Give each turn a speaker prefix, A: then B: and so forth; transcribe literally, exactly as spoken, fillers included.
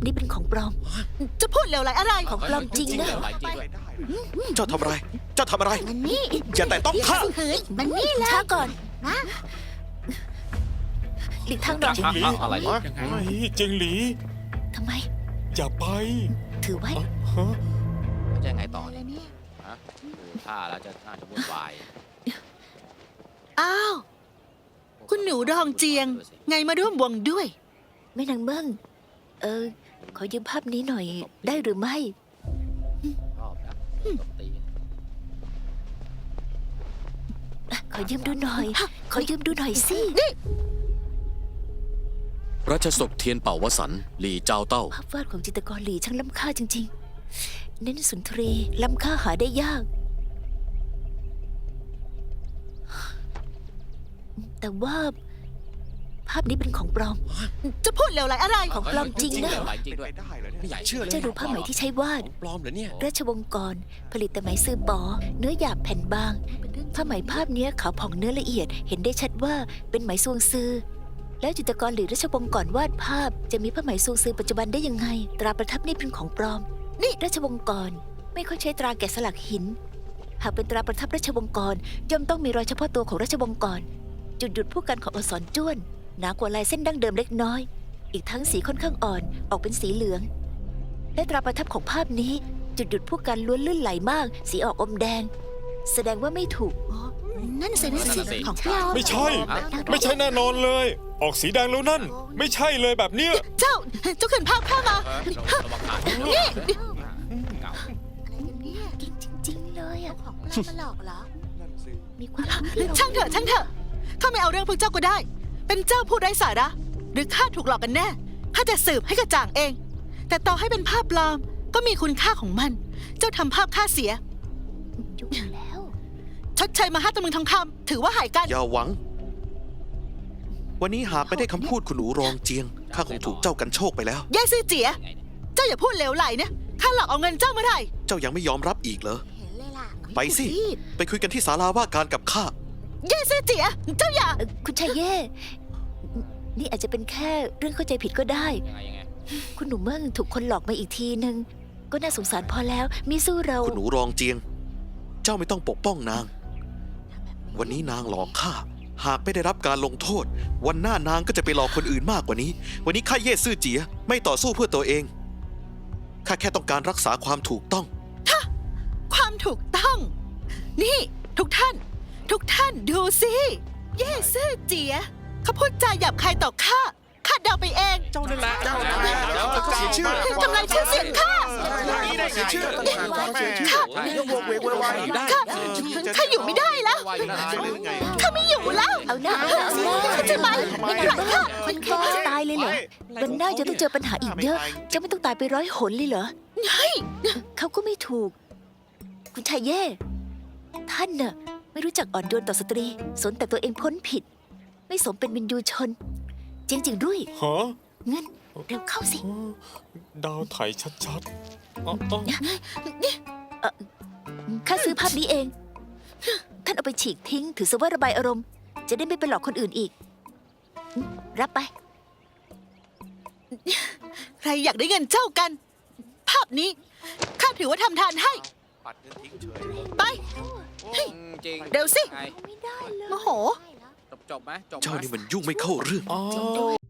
A: นี้เป็นของปลอม
B: จะพูดเหลวไหลอะไร
A: ของปลอมจริงนะ
C: เจ้าทำอะไร เจ้าทำอะไร
B: มันนี่
C: อย่าแต่ต้องข้า
B: ขืนมันนี่แหละ
A: ช้าก่อนหลีกทางหน่อย
D: อะไรเนี่ย
E: ไม่เจิงหลี
A: ทำไม
E: อย่าไป
A: ถือไว้
E: ฮะ
D: จะยังไงต่อเนี่ยฮะดูท่าแล้วจะน่าจะวุ่นวาย
B: อ้าว คุณหนูดองเจียง ไงมาร่วมวงด้วย
A: แม่นางเบิ้งเออ ขอยืมภาพนี้หน่อยได้หรือไม่
D: ชอบนะตบตี
A: ขอยืมดูหน่อย ขอยืมดูหน่อยสิ
F: รัชศพเทียนเป่าวสันต์หลี่เจ้าเต้า
A: ภาพวาดของจิตรกรหลีช่างล้ำค่าจริงๆ เน้นสุนทรีล้ำค่าหาได้ยาก แต่ว่าภาพนี้เป็นของปลอม
B: จะพูดเหลวไหลอะไร
A: ของปลอมจริงนะ
D: หลายจริงด้วย
C: ไม่อยากเชื่อเลย
A: เจ้าดูผ้าไหมที่ใช้วาด
C: ปลอมเหรอเนี่ย
A: ราชวงศ์กรผลิตแต่ไหมซื้อปอ เนื้อหยาบแผ่นบาง ผ้าไหมภาพเนี้ยขาวผ่องเนื้อละเอียด เห็นได้ชัดว่าเป็นไหมซวงซือ แล้วจิตรกรหรือราชวงศ์กรวาดภาพ จะมีผ้าไหมซวงซือปัจจุบันได้ยังไง ตราประทับนี่เป็นของปลอม นี่ราชวงศ์กรไม่ค่อยใช้ตราแกะสลักหิน หากเป็นตราประทับราชวงศ์กรย่อมต้องมีรอยเฉพาะตัวของราชวงศ์กร จุดหยุดผู้กันของอักษรจ้วนหนากว่าลายเส้นดั้งเดิมเล็กน้อย อีกทั้งสีค่อนข้างอ่อนออกเป็นสีเหลือง และตราประทับของภาพนี้ จุดหยุดผู้กันล้วนลื่นไหลมาก สีออกอมแดง แสดงว่าไม่ถูก
B: นั่นสินั่นสิของปลอม
E: ไม่ใช่ ไม่ใช่แน่นอนเลย ออกสีแดงแล้วนั่น ไม่ใช่เลยแบบเนี้ย
B: เจ้า เจ้าขืนภาพข้ามา
D: ระวังขาด
B: นี่
D: เก่า
A: จริงจริงๆเลยอ่ะ
B: ของปลอมมาหลอกเหรอ
A: มีความรู้ที่เรา
B: ช่างเถอะช่างเถอะข้าไม่เอาเรื่องพวกเจ้าก็ได้ เป็นเจ้าผู้ไร้สาระ หรือข้าถูกหลอกกันแน่ข้าจะสืบให้กระจ่างเอง แต่ต่อให้เป็นภาพปลอมก็มีคุณค่าของมัน เจ้าทำภาพข้าเสีย
A: ยุ่งแล้ว
B: ชดเชยมาห้าตำลึงทองคำถือว่าหายกัน
C: อย่าหวัง วันนี้หากไม่ได้คำพูดคุณหนูรองเจียง ข้าคงถูกเจ้ากันโชคไปแล้ว
B: แย่ซื่อเจีย เจ้าอย่าพูดเหลวไหลนะข้าหลอกเอาเงินเจ้าเมื่อไหร่
C: เจ้ายังไม่ยอมรับอีกเหรอ
B: เห็นเลยล่ะ
C: ไปสิ ไปคุยกันที่ศาลาว่าการกับข้า
B: แย่ซื่อเจีย เจ้าอย่า
A: เอ่อคุณชายเย่ นี่อาจจะเป็นแค่เรื่องเข้าใจผิดก็ได้
D: ยังไงยังไง
A: คุณหนูเมิ่งถูกคนหลอกมาอีกทีนึง ก็น่าสงสารพอแล้วมิสู้เรา
C: คุณหนูรองเจียง เจ้าไม่ต้องปกป้องนาง วันนี้นางหลอกข้า หากไม่ได้รับการลงโทษ วันหน้านางก็จะไปหลอกคนอื่นมากกว่านี้ วันนี้ข้าเย่ซื่อเจีย ไม่ต่อสู้เพื่อตัวเอง ข้าแค่ต้องการรักษาความถูกต้อง
B: ความถูกต้อง นี่ ทุกท่าน ทุกท่านดูสิ เย่ซื่อเจียเขาพูดจาหยาบคายต่อข้าข้าเดาไปเอง
C: เจ้านั่นแหละเจ้านั่นแหละเสียชื่อ
B: ทำลายชื่อเสียงข้า
C: นี่ได้เสียชื่อ
B: ข้าข้าข้าอยู่ไม่ได้แล้ว
D: ว่าอยู่นะ
B: ข้าไม่อยู่แล้ว
A: เอาหน้าเอาหน้า
B: ใช่ไหม
A: ไม่หลังค่ะมันแค่นี้จะตายเลยเหรอวันหน้าจะต้องเจอปัญหาอีกเยอะ จะไม่ต้องตายไปร้อยหนเลยเหรอ
B: เฮ้ย
A: เขาก็ไม่ถูก คุณชายเย่ ท่านน่ะไม่รู้จักอ่อนโยนต่อสตรี สนแต่ตัวเองพ้นผิด ไม่สมเป็นวินยูชน จริงจริงๆรุ่ย
E: ฮะ
A: เงินเร็วเข้าสิ
E: ดาวไถชัดๆอ๋ออ๋อ
A: ข้าซื้อภาพนี้เอง ท่านเอาไปฉีกทิ้ง ถือซะว่าระบายอารมณ์ จะได้ไม่ไปหลอกคนอื่นอีก รับไป
B: ใครอยากได้เงินเจ้ากัน ภาพนี้ข้าถือว่าทำทานให้
C: ปัดเงินทิ้งเฉย
B: ไป
D: จริง
B: เร็วสิ
D: ไง
A: ไม่ได้เลย
B: โมโห
D: จบจบไหมจบไหม
C: เจ้านี่มันยุ่งไม่เข้าเรื่อง
E: อ๋อ